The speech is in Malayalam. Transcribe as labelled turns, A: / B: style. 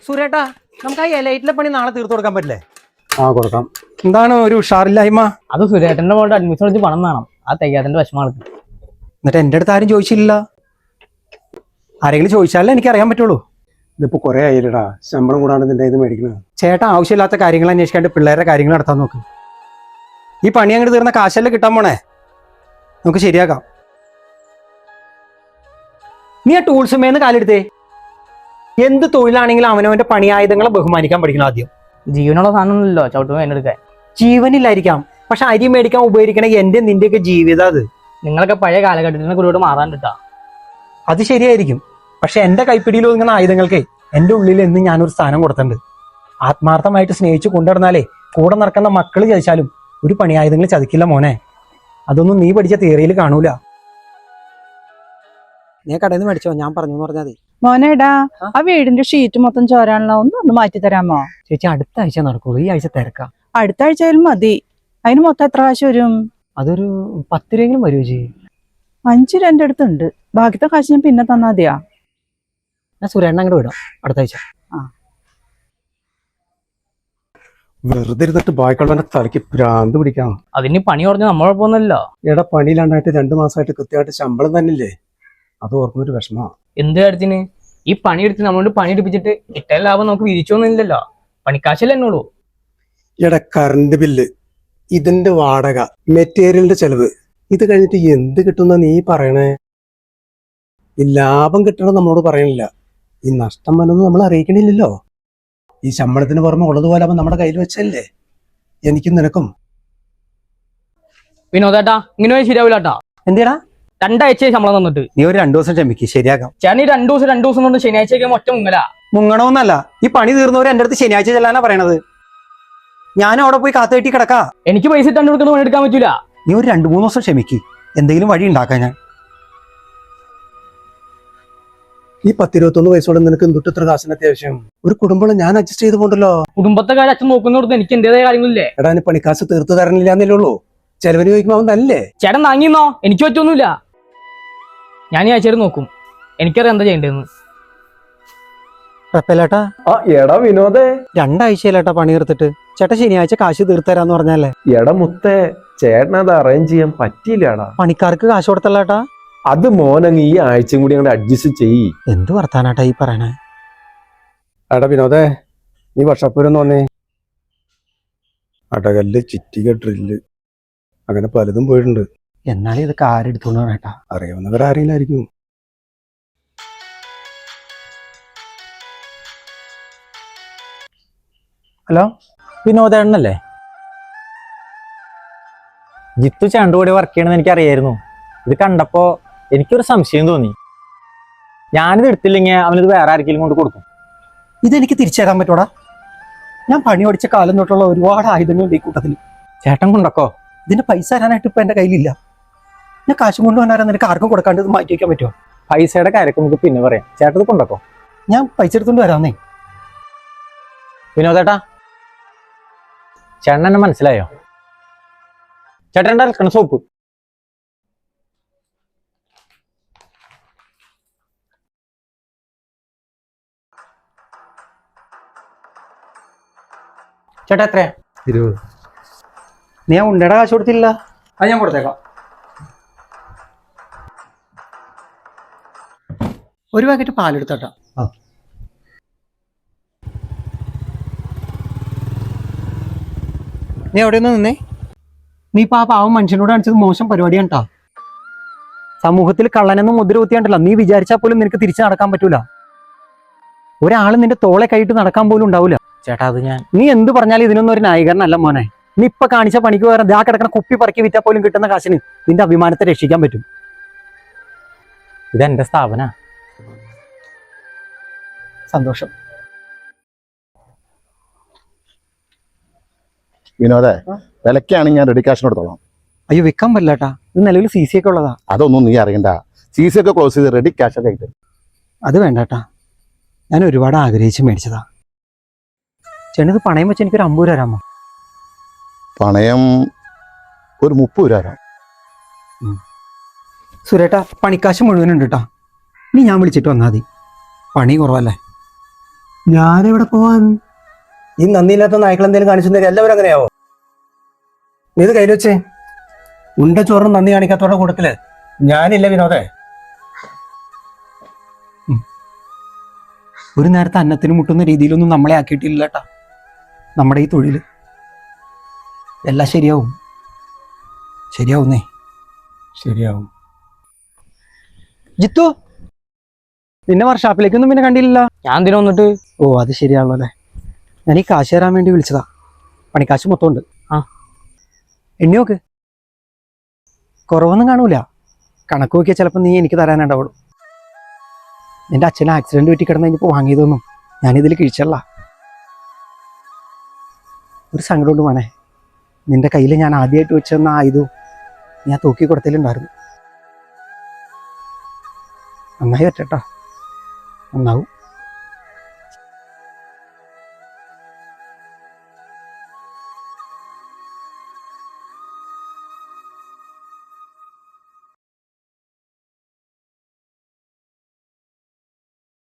A: സുരേട്ടാ, നമുക്ക് ആ എലൈറ്റിലെ പണി നാളെ തീർത്തു കൊടുക്കാൻ പറ്റില്ലേ?
B: കൊടുക്കാം.
A: എന്താണ് ഒരു ഉഷാറില്ലായ്മ?
C: അത് സുരേട്ടന്റെ മോളുടെ അഡ്മിഷൻ എടുത്ത് പണം വേണം. ആ തികയാതിന്റെ വിഷമാണ്.
A: എന്നിട്ട് എന്റെ അടുത്ത് ആരും ചോദിച്ചില്ല. ആരെങ്കിലും ചോദിച്ചാലേ എനിക്ക് അറിയാൻ പറ്റുള്ളൂ.
B: ഇതിപ്പോ കുറെ ആയില്ലടാ, ശമ്പളം കൂടാണ്ട് നിന്റെ ഇത് മേടിക്കുന്നത്.
A: ചേട്ടാ, ആവശ്യമില്ലാത്ത കാര്യങ്ങൾ അന്വേഷിക്കാണ്ട് പിള്ളേരുടെ കാര്യങ്ങൾ നടത്താൻ നോക്ക്. ഈ പണി അങ്ങോട്ട് തീർന്ന കാശല്ലേ കിട്ടാൻ പോണേ, നമുക്ക് ശരിയാക്കാം. നീ ആ ടൂൾസുമേന്ന് കാലെടുത്തേ. എന്ത് തൊഴിലാണെങ്കിലും അവനവന്റെ പണിയായുധങ്ങളെ ബഹുമാനിക്കാൻ പഠിക്കണം ആദ്യം.
C: ജീവനുള്ള സാധനമൊന്നുമില്ലോ ചവിട്ടുമ്പോൾ എന്നെടുക്കാൻ.
A: ജീവനില്ലായിരിക്കാം, പക്ഷെ അരി മേടിക്കാൻ ഉപയോഗിക്കണ എന്റെ നിന്റെയൊക്കെ ജീവിതം അത്.
C: നിങ്ങളൊക്കെ പഴയ കാലഘട്ടത്തിന് കൂടെ മാറാൻ കിട്ടാ.
A: അത് ശരിയായിരിക്കും, പക്ഷെ എന്റെ കൈപ്പിടിയിൽ ഒതുങ്ങുന്ന ആയുധങ്ങൾക്ക് എന്റെ ഉള്ളിൽ എന്ന് ഞാനൊരു സ്ഥാനം കൊടുത്തിട്ടുണ്ട്. ആത്മാർത്ഥമായിട്ട് സ്നേഹിച്ചു കൊണ്ടുവരുന്നാലേ കൂടെ നടക്കുന്ന മക്കള് ചതിച്ചാലും ഒരു പണിയായുധങ്ങൾ ചതിക്കില്ല മോനെ. അതൊന്നും നീ പഠിച്ച തിയറിയിൽ കാണൂല. നീ കടയിൽ നിന്ന് മേടിച്ചോ, ഞാൻ പറഞ്ഞു എന്ന് പറഞ്ഞാൽ മതി.
D: മോനേടാ, ആ വീടിന്റെ ഷീറ്റ് മൊത്തം ചോരാണല്ലോ, ഒന്ന് മാറ്റി തരാമോ?
A: ചേച്ചി, അടുത്ത ആഴ്ച നടക്കുള്ളൂ, ഈ ആഴ്ച തിരക്കാം.
D: അടുത്ത ആഴ്ചയിലും മതി. അതിന് മൊത്തം എത്ര കാശ് വരും?
A: അതൊരു 10 രൂപയെങ്കിലും വരുമോ ചേച്ചി?
D: 5 രൂപ എന്റെ അടുത്തുണ്ട്, ബാക്കിത്തെ കാശ് ഞാൻ പിന്നെ തന്നാ മതിയാ.
A: ഞാൻ സുരേണ്ണ അങ്ങോട്ട് വിടാം അടുത്ത ആഴ്ച.
B: വെറുതെ ഇരുന്നിട്ട് ബാക്കിയുള്ളവന്റെ തലയ്ക്ക് ഭ്രാന്ത് പിടിക്കാം.
C: അതിന് പണി കുറഞ്ഞ നമ്മളൊപ്പമൊന്നുമല്ലോ.
B: എടാ, പണിയിലാണ്ടായിട്ട് 2 മാസമായിട്ട് കൃത്യമായിട്ട് ശമ്പളം തന്നില്ലേ, അത് ഓർക്കുന്നൊരു വിഷമാ.
C: എന്ത് കാര്യത്തിന്? ഈ പണിയെടുത്ത് നമ്മളോട് പണി എടുപ്പിച്ചിട്ട് കിട്ടാൻ ലാഭം നമുക്ക് വിരിച്ചൊന്നുമില്ലല്ലോ. പണിക്കാശല്ലേ എന്നോളൂ.
B: എടാ, കറണ്ട് ബില്ല്, ഇതിന്റെ വാടക, മെറ്റീരിയലിന്റെ ചെലവ്, ഇത് കഴിഞ്ഞിട്ട് എന്ത് കിട്ടുന്ന നീ പറയണേ? ഈ ലാഭം കിട്ടണം നമ്മളോട് പറയണില്ല, ഈ നഷ്ടം വന്നത് നമ്മൾ അറിയിക്കണില്ലല്ലോ. ഈ ശമ്പളത്തിന് പുറമെ ഉള്ളതുപോലെ അവൻ നമ്മുടെ കയ്യിൽ വെച്ചല്ലേ എനിക്കും നിനക്കും.
C: വിനോദേട്ടാ, ഇങ്ങനെ ശരിയാവില്ലാട്ടാ.
A: എന്തിനാ
C: 2 ആഴ്ച ശമ്പളം തന്നിട്ട്?
A: നീ ഒരു 2 ദിവസം ക്ഷമിക്ക്, ശരിയാക്കാം.
C: ചേട്ടൻ ഈ 2 ദിവസം കൊണ്ട് ശനിയാഴ്ചയൊക്കെ ഒറ്റ മുങ്ങലാ.
A: മുങ്ങണമെന്നല്ല, ഈ പണി തീർന്നവർ എന്റെ അടുത്ത് ശനിയാഴ്ച ചെല്ലാനാ പറയണത്. ഞാനും അവിടെ പോയി കാത്തു കെട്ടി കിടക്കാ.
C: എനിക്ക് പൈസ ഇട്ടാണ്ട് കൊടുക്കുന്ന പണി എടുക്കാൻ പറ്റൂല.
A: നീ ഒരു 2-3 ദിവസം ക്ഷമിക്ക്, എന്തെങ്കിലും വഴി ഉണ്ടാക്കാൻ ഞാൻ.
B: ഈ 10-21 വയസ്സോടെ നിനക്ക് എന്തൊട്ട് ഇത്ര കാശിന് അത്യാവശ്യം? ഒരു കുടുംബം ഞാൻ അഡ്ജസ്റ്റ് ചെയ്ത് പോണ്ടല്ലോ.
C: കുടുംബത്തെ കാര്യം അച്ഛൻ നോക്കുന്നോടത്ത് എനിക്ക് എന്റേതായ കാര്യങ്ങളില്ലേ?
B: എടാ, നീ പണിക്കാശ് തീർത്ത് തരണില്ല എന്നല്ലേ ഉള്ളൂ, ചെലവിന് ചോദിക്കുമ്പോ അവൻ തല്ലേ.
C: ചേട്ടൻ താങ്ങിന്നോ, എനിക്ക് പറ്റൊന്നുമില്ല. ഞാൻ ഈ ആഴ്ച നോക്കും, എനിക്കറിയാം എന്താ ചെയ്യേണ്ടതെന്ന്.
A: കുഴപ്പമില്ലേട്ടാ.
E: എടാ വിനോദേ,
A: 2 ആഴ്ചയിലേട്ടാ പണി തീർത്തിട്ട്. ചേട്ടാ ശനിയാഴ്ച കാശ് തീർത്തരാന്ന് പറഞ്ഞല്ലേ.
E: എടാ മുത്തേ, ചേട്ടനത് അറേഞ്ച് ചെയ്യാൻ പറ്റിയില്ലടാ.
A: പണിക്കാർക്ക് കാശ് കൊടുത്തല്ലേട്ടാ.
E: അത് മോനങ്ങ് ഈ ആഴ്ചയും കൂടി അങ്ങോട്ട് അഡ്ജസ്റ്റ് ചെയ്യ്.
A: എന്ത് വർത്താനാട്ടാ ഈ പറയണേ?
B: എടാ വിനോദേ, നീ വർഷപ്പൂരൊന്ന് വന്നേ. അടകല്ല്, ചിറ്റിക, ഡ്രില്ല്, അങ്ങനെ പലതും പോയിട്ടുണ്ട്.
A: എന്നാലും ഇതൊക്കെ ആരെടുത്തോണ്ട് വേട്ടാ?
B: അറിയാവുന്നവരാരെങ്കിലായിരിക്കും.
A: ഹലോ,
F: വിനോദേണ്ണല്ലേ? ജിത്തു ചാണ്ടുകൂടി വർക്ക് ചെയ്യണമെന്ന് എനിക്കറിയായിരുന്നു. ഇത് കണ്ടപ്പോ എനിക്കൊരു സംശയം തോന്നി. ഞാനിത് എടുത്തില്ലെങ്കിൽ അവനിത് വേറെ ആർക്കെങ്കിലും കൊണ്ട് കൊടുക്കും.
A: ഇതെനിക്ക് തിരിച്ചു തരാൻ പറ്റൂടാ? ഞാൻ പണി പഠിച്ച കാലം തൊട്ടുള്ള ഒരുപാട് ആയുധങ്ങളുണ്ട് ഈ കൂട്ടത്തിൽ.
F: ചേട്ടൻ കൊണ്ടൊക്കോ?
A: ഇതിന്റെ പൈസ തരാനായിട്ട് ഇപ്പൊ എന്റെ കയ്യിലില്ല. ഞാൻ കാശും കൊണ്ടുവന്നാരാ നിനക്ക് ആർക്കും കൊടുക്കാണ്ട് ഇത് മാറ്റി വയ്ക്കാൻ പറ്റുമോ?
F: പൈസയുടെ കാര്യമൊക്കെ നമുക്ക് പിന്നെ പറയാം. ചേട്ടത് കൊണ്ടൊക്കോ?
A: ഞാൻ പൈസ എടുത്തോണ്ട് വരാന്നേ.
F: വിനോദേട്ടാ, ചേട്ടൻ എന്നെ മനസ്സിലായോ? ചേട്ടൻ്റെ അലക്കണ സോപ്പ്. ചേട്ടാ എത്രയാ?
B: 20.
A: നീ ആ ഉണ്ടയുടെ കാശ് കൊടുത്തില്ല? അത് ഞാൻ കൊടുത്തേക്കാം. ഒരു പാക്കറ്റ് പാലെടുത്തോട്ടാ. നീ എവിടെ നിന്ന് നിന്നേ? നീ ഇപ്പൊ ആ പാവം മനുഷ്യനോട് കാണിച്ചത് മോശം പരിപാടിയാണ് കേട്ടോ. സമൂഹത്തിൽ കള്ളനെന്ന് മുദ്ര കുത്തിയാണ്ടല്ലോ, നീ വിചാരിച്ചാൽ പോലും നിനക്ക് തിരിച്ചു നടക്കാൻ പറ്റൂല. ഒരാൾ നിന്റെ തോളെ കൈയിട്ട് നടക്കാൻ പോലും ഉണ്ടാവില്ല.
F: ചേട്ടാ, അത് ഞാൻ
A: നീ എന്ത് പറഞ്ഞാലും ഇതിനൊന്നും ഒരു ന്യായീകരണമല്ല മോനെ. നീ ഇപ്പൊ കാണിച്ച പണിക്ക് പകരം ദാ കിടക്കുന്ന കുപ്പി പറക്കി വിറ്റാൽ പോലും കിട്ടുന്ന കാശിന് നിന്റെ അഭിമാനത്തെ രക്ഷിക്കാൻ പറ്റും.
F: ഇതെന്റെ സ്ഥാപന.
A: സന്തോഷം.
G: വിനോദേ, വിലക്കാണെങ്കിൽ ഞാൻ റെഡി കാശിന് എടുത്തോളാം.
A: അയ്യോ, വിൽക്കാൻ പറ്റില്ലാട്ടാ, ഇത് നിലവിൽ CC ഒക്കെ ഉള്ളതാ.
G: അതൊന്നും നീ അറിയണ്ട, CC ഒക്കെ ക്ലോസ് ചെയ്ത് റെഡി ക്യാഷൊക്കെ ആയിട്ട്.
A: അത് വേണ്ടാട്ടാ, ഞാൻ ഒരുപാട് ആഗ്രഹിച്ച് മേടിച്ചതാ. ചേട്ടത് പണയം വെച്ച് എനിക്കൊരു 50 രൂപ തരാമോ?
G: പണയം ഒരു 30 രൂപ തരാം.
A: സുരേട്ടാ, പണിക്കാശ് മുഴുവനുണ്ട് കേട്ടാ. നീ ഞാൻ വിളിച്ചിട്ട് വന്നാൽ മതി, പണി കുറവല്ലേ.
B: ഞാനെവിടെ പോവാൻ? ഈ നന്ദിയില്ലാത്ത നായ്ക്കൾ എന്തെങ്കിലും കാണിച്ചിട്ടുണ്ടെങ്കിൽ എല്ലാവരും അങ്ങനെയാവോ? നീ ഇത് കയ്യിൽ വെച്ചേ. ഉണ്ട ചോറും നന്ദി കാണിക്കാത്തവരുടെ കൂട്ടത്തില് ഞാനില്ല വിനോദേ.
A: ഒരു നേരത്തെ അന്നത്തിന് മുട്ടുന്ന രീതിയിലൊന്നും നമ്മളെ ആക്കിയിട്ടില്ല കേട്ടാ നമ്മുടെ ഈ തൊഴിൽ. എല്ലാം ശരിയാവും, ശരിയാവുന്നേ, ശരിയാവും. ജിത്തു, നിന്നെ വർഷാപ്പിലേക്കൊന്നും പിന്നെ കണ്ടില്ലല്ലോ.
C: ഞാൻ എന്തിനാ വന്നിട്ട്?
A: ഓ അത് ശരിയാണല്ലോ അല്ലേ. ഞാൻ ഈ കാശ് തരാൻ വേണ്ടി വിളിച്ചതാ. പണിക്കാശ് മൊത്തം ഉണ്ട്.
C: ആ.
A: എണ്ണി നോക്ക്, കുറവൊന്നും കാണൂല. കണക്ക് നോക്കിയാൽ ചിലപ്പോൾ നീ എനിക്ക് തരാനുണ്ടാവുള്ളൂ. നിന്റെ അച്ഛന് ആക്സിഡന്റ് പറ്റി കിടന്ന് കഴിഞ്ഞപ്പോൾ വാങ്ങിയതൊന്നും ഞാനിതിൽ കിഴിച്ചല്ല. ഒരു സങ്കടമുണ്ട് മോനെ, നിന്റെ കയ്യിൽ ഞാൻ ആദ്യമായിട്ട് വെച്ചെന്ന ആയുധവും ഞാൻ തൂക്കി കൊടുത്തലുണ്ടായിരുന്നു. നന്നായി പറ്റട്ടാ, നന്നാവും.